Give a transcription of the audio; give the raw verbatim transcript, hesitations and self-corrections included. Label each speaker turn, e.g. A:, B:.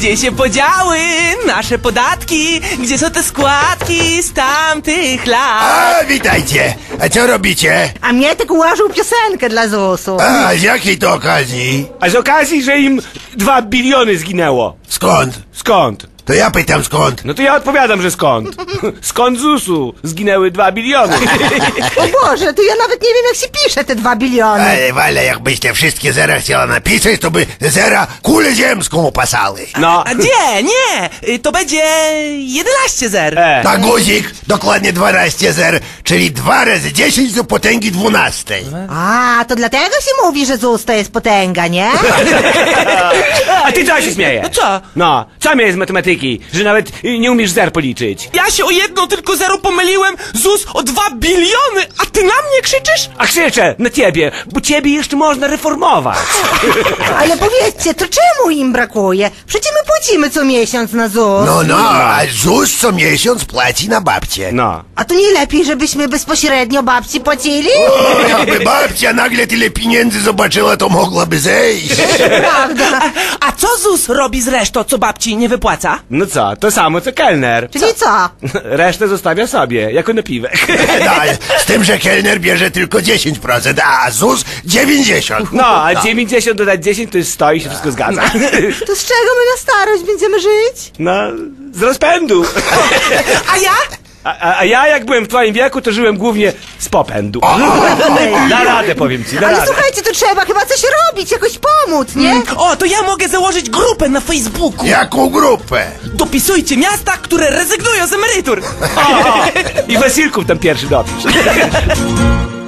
A: Gdzie się podziały nasze podatki? Gdzie są te składki z tamtych lat?
B: A, witajcie. A co robicie?
C: A mnie tak ułożył piosenkę dla zusu.
B: A, z jakiej to okazji?
D: A z okazji, że im dwa biliony zginęło.
B: Skąd?
D: Skąd?
B: To ja pytam skąd.
D: No to ja odpowiadam, że skąd. Skąd z usu zginęły dwa biliony.
C: O Boże, to ja nawet nie wiem, jak się pisze te dwa biliony.
B: Ale, ale jakbyś te wszystkie zera chciała napisać, to by zera kulę ziemską opasały.
D: No.
A: A nie, nie, y, to będzie jedenaście zer.
D: E.
B: Na guzik dokładnie dwanaście zer, czyli dwa razy dziesięć do potęgi dwunastej.
C: A, to dlatego się mówi, że zus to jest potęga, nie?
D: A ty co się śmieje?
A: No co?
D: No, co mnie z matematyki, że nawet y, nie umiesz zer policzyć?
A: Ja się o jedno tylko zero pomyliłem, ZUS o dwa biliony, a ty na mnie krzyczysz?
D: A krzyczę na ciebie, bo ciebie jeszcze można reformować.
C: Ale powiedzcie, to czemu im brakuje? Przecież my płacimy co miesiąc na zus.
B: No, no, a ZUS co miesiąc płaci na babcię.
D: No.
C: A to nie lepiej, żebyśmy bezpośrednio babci płacili?
B: O, jakby babcia nagle tyle pieniędzy zobaczyła, to mogłaby zejść.
C: Prawda.
A: A co ZUS robi z resztą, co babci nie wypłaca?
D: No co, to samo co kelner.
C: Czyli co?
D: Resztę zostawia sobie, jako napiwek.
B: No, z tym, że kelner bierze tylko dziesięć procent, a ZUS dziewięćdziesiąt procent.
D: No, a dziewięćdziesiąt dodać dziesięć to jest sto i się wszystko zgadza.
C: To z czego my na starość będziemy żyć?
D: No, z rozpędu.
A: A ja?
D: A, a, a ja jak byłem w twoim wieku, to żyłem głównie z popędu. Da radę, powiem ci, da
C: Ale
D: radę.
C: słuchajcie, to trzeba chyba coś robić, jakoś pomóc, nie?
A: O, to ja mogę założyć grupę na Facebooku.
B: Jaką grupę?
A: Dopisujcie miasta, które rezygnują z emerytur.
D: O, o, i Wasilków tam pierwszy dopisz.